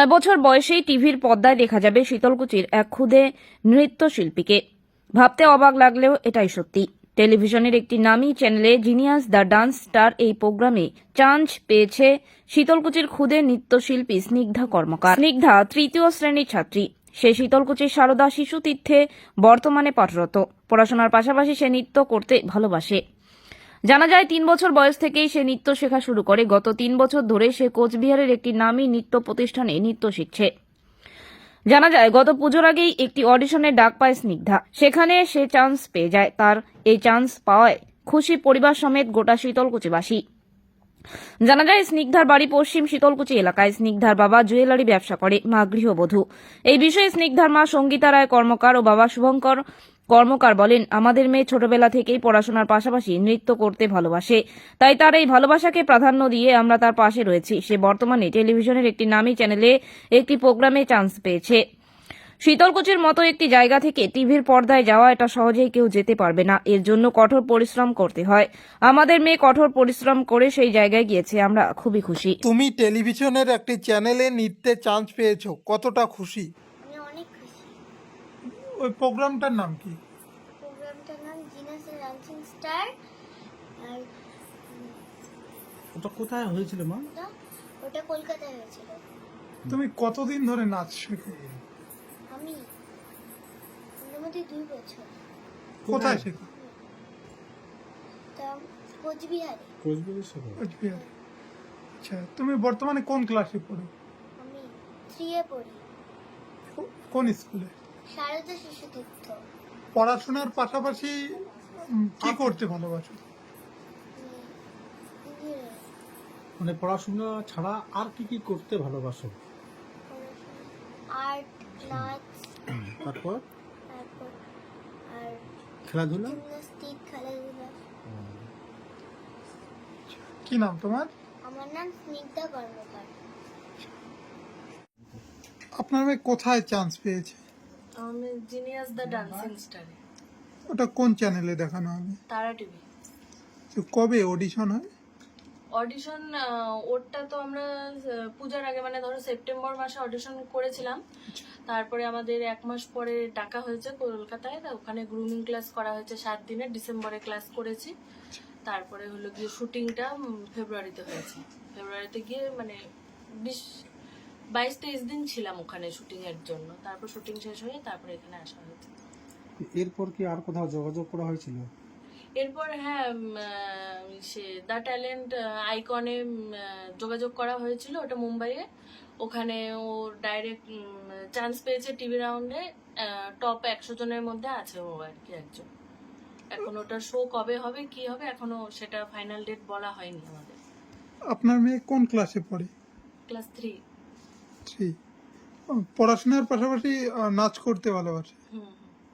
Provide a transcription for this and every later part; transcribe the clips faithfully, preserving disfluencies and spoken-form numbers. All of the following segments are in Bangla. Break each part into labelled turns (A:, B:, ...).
A: নয় বছর বয়সেই টিভির পর্দায় দেখা যাবে শীতলকুচির এক ক্ষুদে নৃত্যশিল্পীকে। ভাবতে অবাক লাগলেও এটাই সত্যি। টেলিভিশনের একটি নামী চ্যানেলে জিনিয়াস দ্য ডান্স স্টার এই প্রোগ্রামে চান্স পেয়েছে শীতলকুচির ক্ষুদে নৃত্যশিল্পী স্নিগ্ধা কর্মকার। স্নিগ্ধা তৃতীয় শ্রেণীর ছাত্রী। সে শীতলকুচির সারদা শিশু তীর্থে বর্তমানে পাঠরত। পড়াশোনার পাশাপাশি সে নৃত্য করতে ভালোবাসে। জানা যায় তিন বছর বয়স থেকেই সে নৃত্য শেখা শুরু করে। গত তিন বছর ধরে সে কোচবিহারের একটি নামী নৃত্য প্রতিষ্ঠানে নৃত্য শিখছে। জানা যায় গত পুজোর আগেই একটি অডিশনে ডাক পায় স্নিগ্ধা। সেখানে সে চান্স পেয়ে যায়। তার এই চান্স পাওয়ায় খুশি পরিবার সমেত গোটা শীতলকুচিবাসী। জানা যায় স্নিগ্ধার বাড়ি পশ্চিম শীতলকুচি এলাকায়। স্নিগ্ধার বাবা জুয়েলারি ব্যবসা করে, মা গৃহবধূ। এই বিষয়ে স্নিগ্ধার মা সঙ্গীতা রায় কর্মকার ও বাবা শুভঙ্কর কর্মকার বলেন, আমাদের মেয়ে ছোটবেলা থেকেই পড়াশোনার পাশাপাশি নৃত্য করতে ভালোবাসে, তাই তার এই ভালোবাসাকে প্রাধান্য দিয়ে আমরা তার পাশে রয়েছি। সে বর্তমানে টেলিভিশনের একটি নামী চ্যানেলে একটি প্রোগ্রামে চান্স পেয়েছে। শীতলকুচির মতো একটি জায়গা থেকে টিভির পর্দায় যাওয়া এটা সহজেই কেউ যেতে পারবে না। এর জন্য কঠোর পরিশ্রম করতে হয়। আমাদের মেয়ে কঠোর পরিশ্রম করে সেই জায়গায় গিয়েছে, আমরা খুবই খুশি।
B: তুমি টেলিভিশনের একটি চ্যানেলে নৃত্যে চান্স পেয়েছো, কতটা খুশি?
C: আমি অনেক খুশি।
B: ওই প্রোগ্রামটার নাম কি?
C: প্রোগ্রামটার নাম জিনাস ডান্সিং স্টার। আর
D: ওটা কোথায় হয়েছিল মা?
C: ওটা ওটা কলকাতায় হয়েছিল।
B: তুমি কতদিন ধরে নাচ শেখো?
C: আমি মোটামুটি দুই বছর।
B: কোথায় শেখো?
C: তা কোচবিহারে।
D: কোচবিহারের সাথে
B: কোচবিহারে। আচ্ছা, তুমি বর্তমানে কোন ক্লাসে পড়ো?
C: আমি থ্রি এ পড়ি,
B: কো- কোন স্কুলে?
C: সারদা শিশু তীর্থ।
B: পড়াশোনার পাশাপাশি উম, কি করতে ভালোবাসো?
C: ইঞ্জিনিয়ারিং
D: মানে পড়াশোনা ছাড়া আর কি কি করতে ভালোবাসো?
C: আর্ট, নাচ,
D: তারপর
C: তারপর আর
D: খেলাধুলা?
C: জিমনাস্টিক, খেলাধুলা।
B: কি নাম তোমার?
C: আমার নাম স্নিগ্ধা কর্মকার।
B: আপনার মেয়ে কোথায় চান্স পেয়েছে?
E: আমি জিনিয়াস দ্য ডান্সিং স্টারে,
B: ওটা কোন চ্যানেলে দেখানো হবে?
E: তারা টিভি।
B: তো কবে অডিশন হয়?
E: অডিশন ওরটা তো আমরা আহ, পূজার আগে মানে ধরো সেপ্টেম্বর মাসে অডিশন করেছিলাম। তারপরে আমাদের এক মাস পরে ডাকা হয়েছে কলকাতায়, তা ওখানে গ্রুমিং ক্লাস করা হয়েছে সাত দিনের। ডিসেম্বরে ক্লাস করেছি। তারপরে হলো গিয়ে শুটিংটা ফেব্রুয়ারিতে হয়েছে। ফেব্রুয়ারিতে গিয়ে মানে বিশ বাইশ তেইশ দিন ছিলাম ওখানে শুটিং এর জন্য। তারপর শুটিং শেষ হয়ে তারপরে এখানে আসা হয়েছে।
D: এরপর কি আর কোথাও যোগাযোগ করা হয়েছিল?
E: এরপর হ্যাঁ, উম, আহ, সে দ্য ট্যালেন্ট আইকনে যোগাযোগ করা হয়েছিল, ওটা মুম্বাইয়ে। ওখানে ও ডাইরেক্ট চান্স পেয়েছে টিভি রাউন্ডে। টপ একশো জনের মধ্যে আছে ও আর কি একজন। এখন ওটার শো কবে হবে কি হবে এখনো সেটা ফাইনাল ডেট বলা হয়নি আমাদের।
B: আপনার মেয়ে কোন ক্লাসে পড়ে?
E: Class three.
B: থ্রি। পড়াশোনার পাশাপাশি আহ, নাচ করতে ভালোবাসে।
E: হুম।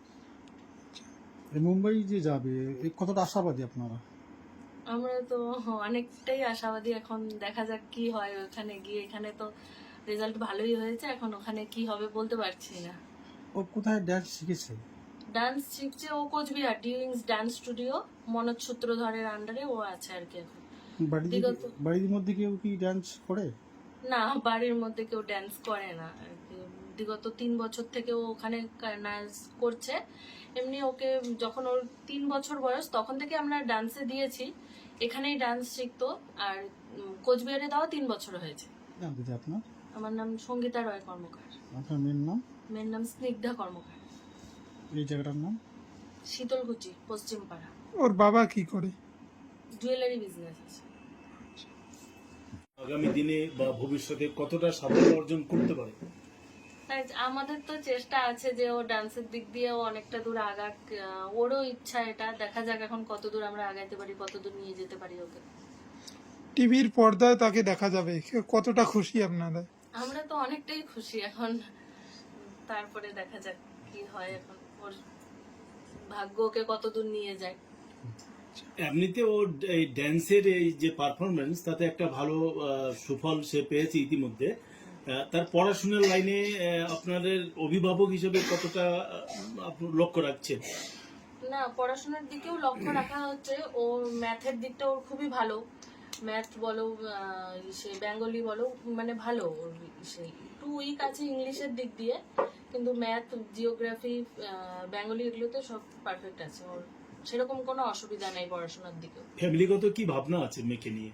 D: এই মুম্বাই যে যাবে, এই কতটা আশাবাদী আপনারা?
E: আমরা তো অনেকটাই আশাবাদী। এখন দেখা যাক কি হয় ওখানে গিয়ে। এখানে তো রেজাল্ট ভালোই হয়েছে, এখন ওখানে কি হবে বলতে পারছি না।
D: ও কোথায় ড্যান্স শিখেছে?
E: ডান্স শিখছে ও কোচবিহার ডিউইংস ডান্স স্টুডিও, মনোজ সূত্রধরের আন্ডারে ও আছে আর কি এখন।
D: বাড়িতে
E: বিগত-
D: বাড়ির মধ্যে কেউ কি ড্যান্স করে?
E: না, বাড়ির মধ্যে কেউ ড্যান্স করে না আর কি। বিগত তিন বছর থেকে ও ওখানে ডান্স করছে। এমনি ওকে যখন ওর তিন বছর বয়স তখন থেকে আমরা ডান্সে দিয়েছি, এখানেই ডান্স শিখতো। আর উম, কোচবিহারে দেওয়া তিন বছর হয়েছে।
D: জানতে চাই আপনার
E: আমার নাম সঙ্গীতা রয় কর্মকার।
D: আপনার মেয়ের নাম?
E: মেয়ের নাম স্নিগ্ধা কর্মকার।
D: এই জায়গাটার নাম?
E: শীতলকুচি, পশ্চিমপাড়া।
B: ওর বাবা কি করে?
E: জুয়েলারি বিজনেস আছে।
F: আগামী দিনে বা ভবিষ্যতে কতটা সাফল্য অর্জন করতে পারে?
E: তাই আমাদের তো চেষ্টা আছে যে ও ডান্সের দিক দিয়ে ও অনেকটা দূর আগাক। আহ, ওরও ইচ্ছা এটা, দেখা যাক এখন কত দূর আমরা আগাইতে পারি, কত দূর নিয়ে যেতে পারি ওকে।
B: টিভির পর্দায় তাকে দেখা যাবে, কতটা খুশি আপনারা?
E: আমরা তো অনেকটাই খুশি এখন। তারপরে দেখা যাক কি হয়, এখন ওর ভাগ্য ওকে কত দূর নিয়ে যায়।
F: এমনিতে ও এই ড্যান্সের এই যে পারফরমেন্স তাতে একটা ভালো আহ, সুফল সে পেয়েছে ইতিমধ্যে। আহ, তার পড়াশোনার লাইনে আহ, আপনাদের অভিভাবক হিসেবে কতটা আহ, আপনি লক্ষ্য রাখছেন?
E: না, পড়াশোনার দিকেও লক্ষ্য রাখা হচ্ছে। ও ম্যাথের দিকটা ওর খুবই ভালো। ম্যাথ বলো, আহ, সে বেঙ্গলি বলো, মানে ভালো ওর সেই একটু উইক আছে ইংলিশের দিক দিয়ে, কিন্তু ম্যাথ, জিওগ্রাফি, বেঙ্গলি এগুলোতে সব পারফেক্ট আছে। ওর সেরকম কোনো অসুবিধা নেই পড়াশোনার দিকেও।
F: ফ্যামিলিগত কি ভাবনা আছে মেয়েকে নিয়ে?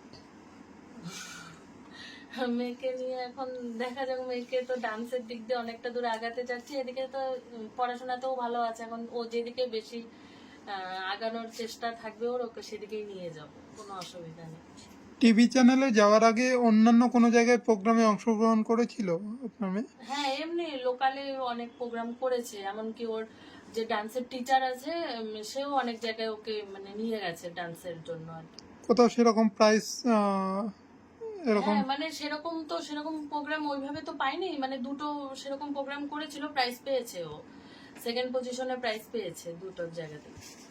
E: মেয়েকে নিয়ে এখন দেখা যাক, মেয়েকে তো ডান্সের দিক দিয়ে অনেকটা দূর আগাতে যাচ্ছি, এদিকে তো পড়াশোনাতেও ভালো আছে। এখন ও যেদিকে বেশি আহ, আগানোর চেষ্টা থাকবে ওর, ওকে সেদিকেই নিয়ে যাব, কোনো অসুবিধা নেই।
B: টিভি চ্যানেলে যাওয়ার আগে অন্যান্য কোনো জায়গায় প্রোগ্রামে অংশগ্রহণ করেছিল আপনার মেয়ে?
E: হ্যাঁ, এমনি লোকালে অনেক প্রোগ্রাম করেছে, এমনকি ওর যে ডান্সের টিচার আছে উম, সেও অনেক জায়গায় ওকে মানে নিয়ে গেছে ডান্সের জন্য আর কি।
B: কোথাও সেরকম প্রাইস এরকম?
E: হ্যাঁ, মানে সেরকম তো সেরকম প্রোগ্রাম ওইভাবে তো পাইনি, মানে দুটো সেরকম প্রোগ্রাম করেছিল, প্রাইজ পেয়েছে ও, সেকেন্ড পজিশনে প্রাইজ পেয়েছে দুটো জায়গাতে।